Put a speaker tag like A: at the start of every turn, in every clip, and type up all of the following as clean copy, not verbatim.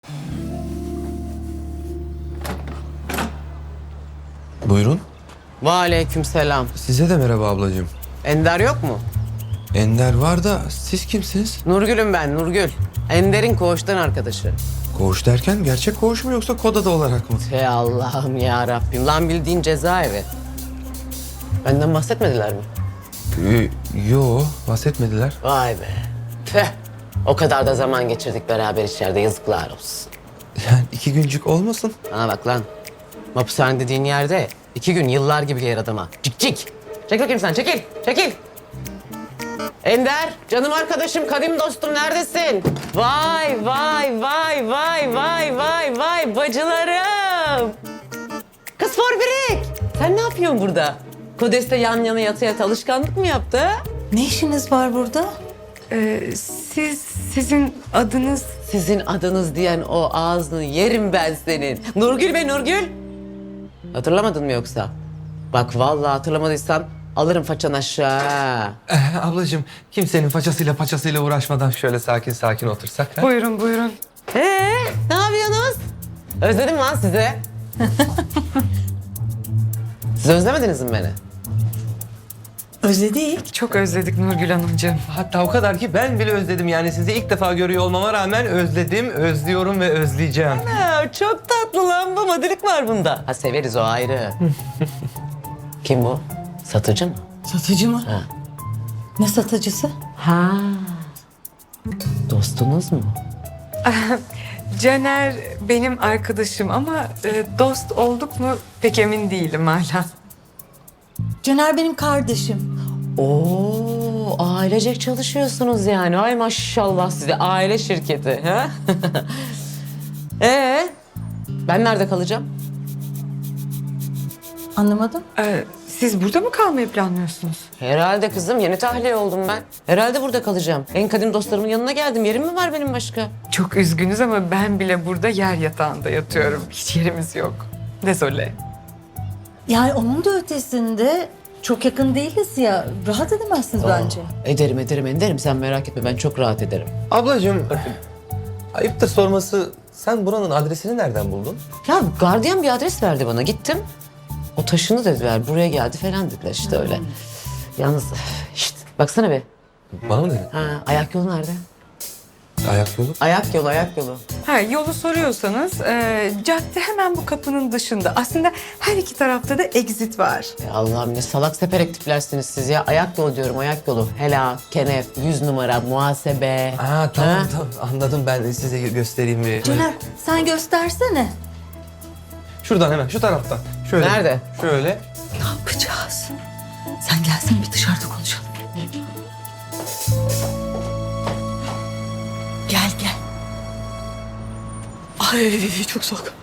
A: Buyurun.
B: Aleykümselam.
A: Size de merhaba ablacığım.
B: Ender yok mu?
A: Ender var da siz kimsiniz?
B: Nurgül'üm ben, Nurgül. Ender'in koğuştan arkadaşı.
A: Koğuş derken gerçek koğuş mu yoksa kod adı olarak mı?
B: Hey Allah'ım ya Rabbim. Lan bildiğin cezaevi. Benden bahsetmediler mi?
A: Yo, bahsetmediler.
B: Vay be. Tüh. O kadar da zaman geçirdik beraber içeride. Yazıklar olsun.
A: Yani 2 güncük olmasın.
B: Bana bak lan. Hapishane dediğin yerde 2 gün yıllar gibi gelir adama. Cik cik. Çekil bakayım sen, çekil. Çekil. Ender, canım arkadaşım, kadim dostum neredesin? Vay vay vay vay vay vay vay bacılarım. Kız Forbirik, sen ne yapıyorsun burada? Kodeste yan yana yata yata alışkanlık mı yaptı? Ha?
C: Ne işiniz var burada?
D: Sizin adınız...
B: Sizin adınız diyen o ağzını yerim ben senin. Nurgül be Nurgül. Hatırlamadın mı yoksa? Bak vallahi hatırlamadıysan alırım façan aşağı.
A: Ablacığım kimsenin paçasıyla uğraşmadan şöyle sakin sakin otursak. Ha?
D: Buyurun buyurun.
B: Ne yapıyorsunuz? Özledim lan sizi. Siz özlemediniz mi beni?
C: Özledik.
D: Çok özledik Nurgül Hanımcığım.
A: Hatta o kadar ki ben bile özledim yani sizi ilk defa görüyor olmama rağmen özledim, özlüyorum ve özleyeceğim.
B: Ya, çok tatlı lan bu. Madilik var bunda. Ha severiz o ayrı. Kim bu? Satıcı mı?
C: Satıcı mı?
B: Ha.
C: Ne satıcısı?
B: Ha. Dostunuz mu?
D: Caner benim arkadaşım ama dost olduk mu pek emin değilim hala.
C: Caner benim kardeşim.
B: Oo, ailecek çalışıyorsunuz yani. Ay maşallah size aile şirketi. Ha? Ben nerede kalacağım?
C: Anlamadım.
D: Siz burada mı kalmayı planlıyorsunuz?
B: Herhalde kızım. Yeni tahliye oldum ben. Herhalde burada kalacağım. En kadim dostlarımın yanına geldim. Yerim mi var benim başka?
D: Çok üzgünüz ama ben bile burada yer yatağında yatıyorum. Hiç yerimiz yok. Desole.
C: Yani onun da ötesinde çok yakın değiliz ya. Rahat edemezsiniz bence.
B: Ederim Ender'im. Sen merak etme. Ben çok rahat ederim.
A: Ablacığım ayıptır sorması sen buranın adresini nereden buldun?
B: Ya gardiyan bir adres verdi bana. Gittim. O taşını dediler. Buraya geldi falan dediler işte öyle. Yalnız işte baksana be.
A: Bana mı dedin?
B: Ha, ayak yolu nerede?
A: Ayak yolu.
B: Ayak yolu.
D: Ha, yolu soruyorsanız cadde hemen bu kapının dışında. Aslında her iki tarafta da exit var.
B: Ya Allah'ım ne salak seperek tiplersiniz siz ya. Ayak yolu diyorum, ayak yolu. Helal, kenef, 100 numara, muhasebe.
A: Tamam
B: Ha?
A: tamam anladım ben size göstereyim bir.
C: Caner sen göstersene.
A: Şuradan hemen şu taraftan. Şöyle.
B: Nerede?
A: Şöyle.
C: Ne yapacağız? Sen gelsin bir dışarıda konuşalım. Gel. Ay çok soğuk.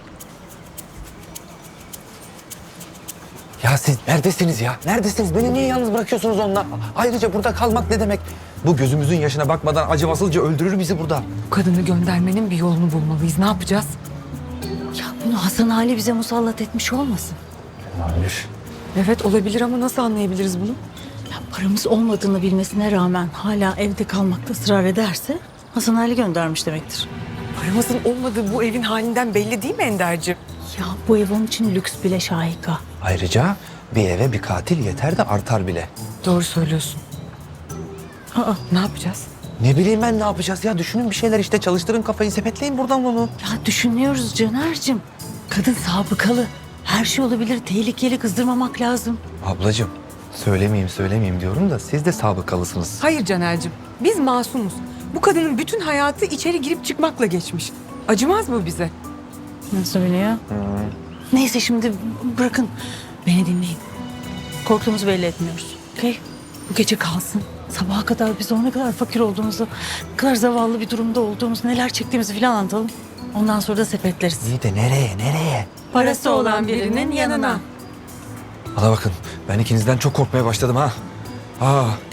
A: Ya siz neredesiniz ya? Neredesiniz? Beni niye yalnız bırakıyorsunuz onunla? Ayrıca burada kalmak ne demek? Bu gözümüzün yaşına bakmadan acımasızca öldürür bizi burada.
D: Bu kadını göndermenin bir yolunu bulmalıyız. Ne yapacağız?
C: Ya bunu Hasan Ali bize musallat etmiş olmasın?
A: Olabilir.
D: Evet olabilir ama nasıl anlayabiliriz bunu?
C: Ya paramız olmadığını bilmesine rağmen hala evde kalmakta ısrar ederse Hasan Ali göndermiş demektir.
D: Paramızın olmadığı bu evin halinden belli değil mi Ender'ciğim?
C: Ya bu ev onun için lüks bile Şahika.
A: Ayrıca bir eve bir katil yeter de artar bile.
D: Doğru söylüyorsun.
C: Aa,
D: Ne yapacağız?
A: Ne bileyim ben ne yapacağız ya? Düşünün bir şeyler işte. Çalıştırın kafayı, sepetleyin buradan bunu.
C: ya düşünüyoruz Caner'cim. Kadın sabıkalı. Her şey olabilir. Tehlikeli kızdırmamak lazım.
A: Ablacığım söylemeyeyim diyorum da siz de sabıkalısınız.
D: Hayır Caner'cim. Biz masumuz. Bu kadının bütün hayatı içeri girip çıkmakla geçmiş. Acımaz mı bize?
C: Nasıl biliyor? Neyse şimdi bırakın. Beni dinleyin. Korktuğumuzu belli etmiyoruz. Okey? Bu gece kalsın. Sabaha kadar biz ne kadar fakir olduğumuzu, ne kadar zavallı bir durumda olduğumuzu, neler çektiğimizi falan anlatalım. Ondan sonra da sepetleriz.
A: İyi de nereye?
C: Parası olan birinin yanına.
A: Bana bakın ben ikinizden çok korkmaya başladım ha.